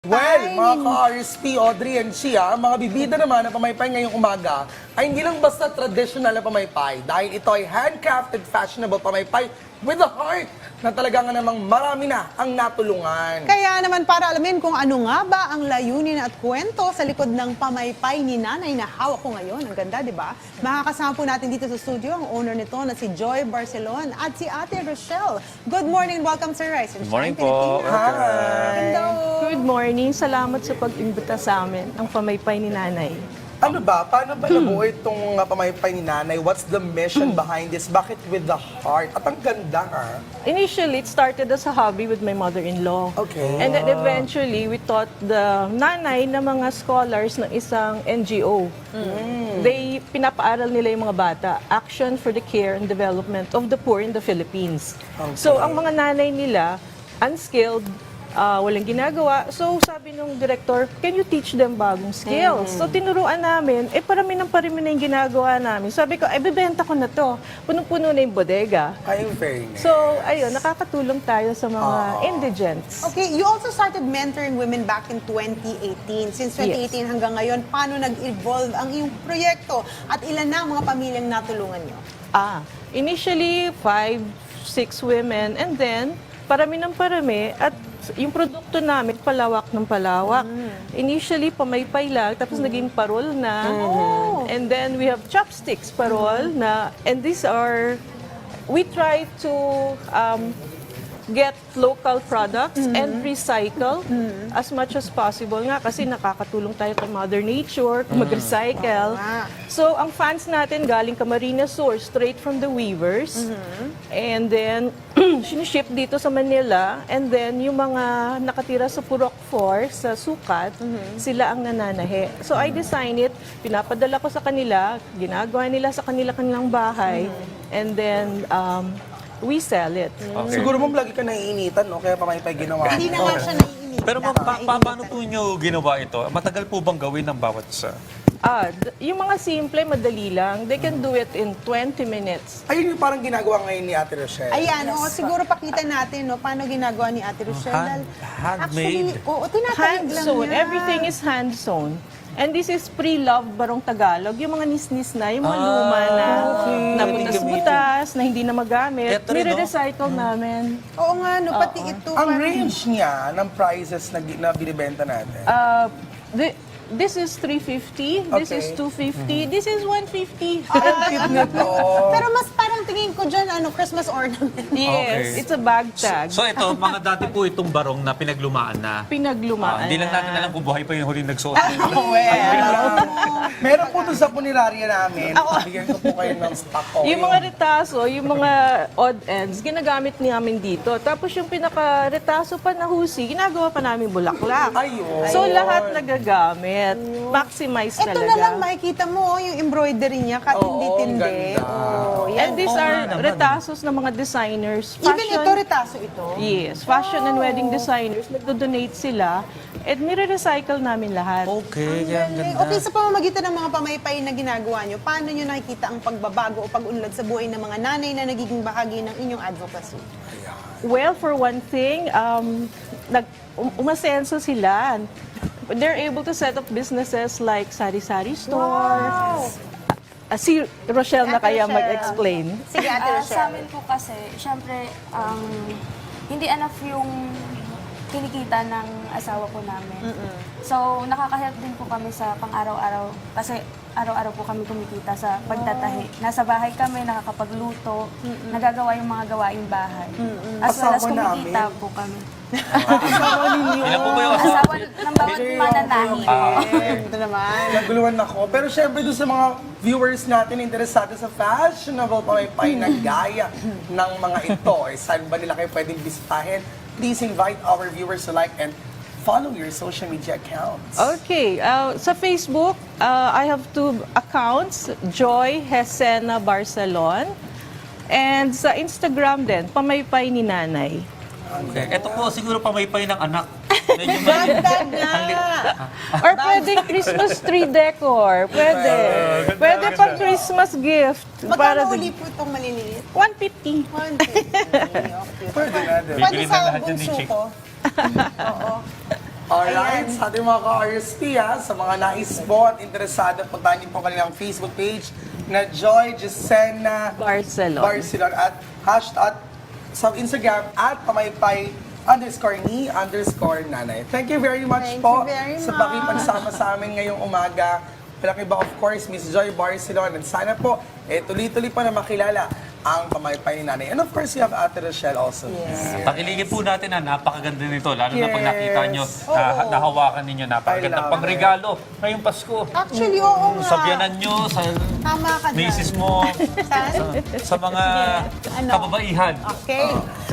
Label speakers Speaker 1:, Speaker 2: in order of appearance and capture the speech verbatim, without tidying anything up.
Speaker 1: Well, mga ka-R S P, Audrey and Shia, mga bibida naman na pamaypay ngayong umaga ay hindi lang basta traditional na pamaypay dahil ito ay handcrafted, fashionable pamaypay with a heart na talaga nga namang marami na ang natulungan.
Speaker 2: Kaya naman para alamin kung ano nga ba ang layunin at kwento sa likod ng pamaypay ni nanay na hawak ko ngayon. Ang ganda, di ba? Makakasama po natin dito sa studio ang owner nito na si Joy Barcelon at si Ate Rochelle. Good morning and welcome sa Rise and
Speaker 3: Good morning
Speaker 2: Shine
Speaker 3: po.
Speaker 2: Pilipinas.
Speaker 1: Hi!
Speaker 2: Hello!
Speaker 4: Good morning. Salamat sa pag-imbita sa amin, ang pamaypay ni Nanay.
Speaker 1: Ano ba? Paano ba nabuo itong uh, pamaypay ni nanay? What's the mission behind this? Bakit with the heart? At ang ganda ha?
Speaker 4: Initially, it started as a hobby with my mother-in-law.
Speaker 1: Okay.
Speaker 4: And then eventually, we taught the nanay na mga scholars ng isang N G O. They, pinapaaral nila yung mga bata, Action for the Care and Development of the Poor in the Philippines. So, ang mga nanay nila, unskilled, Uh, walang ginagawa. So, sabi nung director, can you teach them bagong skills? So, tinuruan namin, eh, parami ng parami na yung ginagawa namin. Sabi ko, ay, bibenta ko na to. Punong-puno na yung bodega.
Speaker 1: Ay, very nice.
Speaker 4: So, ayun, nakakatulong tayo sa mga indigents.
Speaker 2: Okay, you also started mentoring women back in twenty eighteen. Since twenty eighteen hanggang ngayon, paano nag-evolve ang iyong proyekto? At ilan na ang mga pamilyang natulungan nyo?
Speaker 4: Ah, initially, five, six women, and then, parami ng parami, at yung produkto namin, palawak ng palawak. Initially, pamaypay lang, tapos naging parol na. And then, we have chopsticks parol na. And these are, we try to um, get local products and recycle as much as possible nga kasi nakakatulong tayo kay Mother Nature, mag-recycle. So, ang fans natin galing Camarines Source, straight from the weavers. And then, siniship dito sa Manila. And then, yung mga nakatira sa Purok four, sa Sukat, sila ang nananahe. So, I design it, pinapadala ko sa kanila, ginagawa nila sa kanila-kanilang bahay. And then, um, we sell it.
Speaker 3: Okay.
Speaker 1: Siguro mong lagi ka naiinitan, no? Kaya pamaypay ginawa.
Speaker 2: Hindi
Speaker 1: mo.
Speaker 2: naman siya naiinit.
Speaker 3: Pero ma'am, pa- pa- paano po nyo ginawa ito? Matagal po bang gawin ng bawat isa?
Speaker 4: Ah, d- yung mga simple, madali lang. They can do it in twenty minutes.
Speaker 1: Ayun yung parang ginagawa ngayon ni Ate Rochelle.
Speaker 2: Ayan, oo, siguro pakita natin no, paano ginagawa ni Ate Rochelle.
Speaker 3: Hand- handmade.
Speaker 2: Actually, oo, tinatayag
Speaker 4: Hand
Speaker 2: lang
Speaker 4: sewn.
Speaker 2: niya.
Speaker 4: Everything is hand sewn. And this is pre-love barong Tagalog. Yung mga nis-nis na, yung mga
Speaker 3: Ah,
Speaker 4: luma na,
Speaker 3: okay.
Speaker 4: na butas-butas, na hindi na magamit.
Speaker 3: Eto rin, no?
Speaker 4: Nire-recycle namin.
Speaker 2: Oo nga, no, pati ito.
Speaker 1: Ang
Speaker 2: parang-
Speaker 1: range niya ng prices na, gi- na binibenta natin.
Speaker 4: Uh, the, this is three fifty, this
Speaker 1: Okay.
Speaker 4: is two fifty, this is one fifty.
Speaker 1: Cute na to.
Speaker 2: Pero mas parang tingin ko dyan, ano, Christmas ornament.
Speaker 4: Yes,
Speaker 3: Okay.
Speaker 4: it's a bag tag.
Speaker 3: So ito, mga dati po itong barong na pinaglumaan na.
Speaker 4: Pinaglumaan.
Speaker 3: Ah, hindi lang
Speaker 4: na.
Speaker 3: natin alam kung buhay pa yung huling nagsuot.
Speaker 1: Meron po doon sa punerarya namin. Bigyan ko po kayo ng stock ko.
Speaker 4: Yung mga retaso, yung mga odd ends, ginagamit namin dito. Tapos yung pinaka-retaso pa na husi, ginagawa pa namin bulaklak.
Speaker 1: Ayun.
Speaker 4: So lahat nagagamit. Maximize
Speaker 2: Ito
Speaker 4: talaga.
Speaker 2: na lang, makikita mo, oh, yung embroidery niya, katindi-tindi.
Speaker 1: Oo, ang ganda.
Speaker 2: Oh, yan.
Speaker 4: And these
Speaker 3: Oo
Speaker 4: are
Speaker 3: nga naman.
Speaker 4: retasos ng mga designers.
Speaker 2: Even ito, retaso ito.
Speaker 4: Yes, fashion and wedding designers, nagdo-donate sila. At nire-recycle namin lahat.
Speaker 3: Okay, kaya ang
Speaker 2: Galing.
Speaker 3: ganda.
Speaker 2: Okay, sa pamamagitan ng mga pamaypay na ginagawa nyo, paano nyo nakikita ang pagbabago o pag-unlad sa buhay ng mga nanay na nagiging bahagi ng inyong advocacy?
Speaker 4: Well, for one thing, um, nag, um, umasenso sila. They're able to set up businesses like sari-sari store.
Speaker 2: Wow!
Speaker 4: Ah, si Rochelle na
Speaker 2: Ate
Speaker 4: kaya
Speaker 2: Rochelle.
Speaker 4: mag-explain.
Speaker 2: Sige, Ate
Speaker 5: Ah,
Speaker 2: Rochelle.
Speaker 5: sa amin po kasi, syempre, um, hindi enough yung kinikita ng asawa po namin. So, nakaka-help din po kami sa pang-araw-araw. Kasi araw-araw po kami kumikita sa pagtatahi. Nasa bahay kami, nakakapagluto, nagagawa yung mga gawaing bahay. As well as
Speaker 1: Asawa
Speaker 5: kumikita
Speaker 1: namin.
Speaker 5: po kami.
Speaker 3: Ilan po ba yung
Speaker 5: Asawa ng bawat mananahi.
Speaker 2: Ito naman.
Speaker 1: Naguluhan ako. Pero syempre doon sa mga viewers natin interesado sa fashionable pamaypay na gaya ng mga ito, eh, saan ba nila kayo pwedeng bisitahin? Please invite our viewers to like and follow your social media accounts.
Speaker 4: Okay, uh, sa Facebook, uh, I have two accounts, Joy Hesena Barcelon. And sa Instagram din, Pamaypay ni Nanay.
Speaker 3: Okay. Ito po siguro pamaypay ng anak. Medyo
Speaker 2: Dagdag na!
Speaker 4: Or pwedeng Christmas tree decor. Pwede. Pwede pang Christmas gift.
Speaker 2: Magkano
Speaker 4: din-
Speaker 2: uli po itong maliliit?
Speaker 4: one fifty.
Speaker 2: one fifty. Okay.
Speaker 1: Pwede na din.
Speaker 2: Pwede
Speaker 3: Bibili na
Speaker 2: sa
Speaker 3: lahat yan ni
Speaker 2: bunso
Speaker 3: Chick.
Speaker 2: ko. Oo.
Speaker 1: Alright,
Speaker 2: Ayan.
Speaker 1: sa ating mga ka-R S P ha, sa mga nais po at interesado, puntahan niyo po kanilang Facebook page na Joy Jesena
Speaker 4: Barcelona.
Speaker 1: Barcelona at hashtag sa Instagram at pamaypay underscore ni underscore nanay. Thank you very much
Speaker 2: Thank
Speaker 1: po
Speaker 2: you very
Speaker 1: sa
Speaker 2: much.
Speaker 1: pakipagsama sa amin ngayong umaga. Walang iba, of course, Miss Joy Barcelona. And sana po, eh, tuloy-tuloy pa na makilala ang pamaypay ni nanay. And of course, you have Ate Rochelle also.
Speaker 2: Yes.
Speaker 3: Pakiligin po natin na napakaganda nito. Lalo na pag
Speaker 1: Yes.
Speaker 3: nakita nyo,
Speaker 2: Oo.
Speaker 3: na, nahawakan ninyo,
Speaker 1: I
Speaker 3: napakaganda
Speaker 1: love
Speaker 3: pang regalo ngayong Pasko.
Speaker 2: Actually, oo nga.
Speaker 3: Sa biyanan nyo, sa
Speaker 2: Tama ka dyan.
Speaker 3: misis mo,
Speaker 2: Saan?
Speaker 3: sa mga
Speaker 2: Ano?
Speaker 3: kababaihan.
Speaker 2: Okay.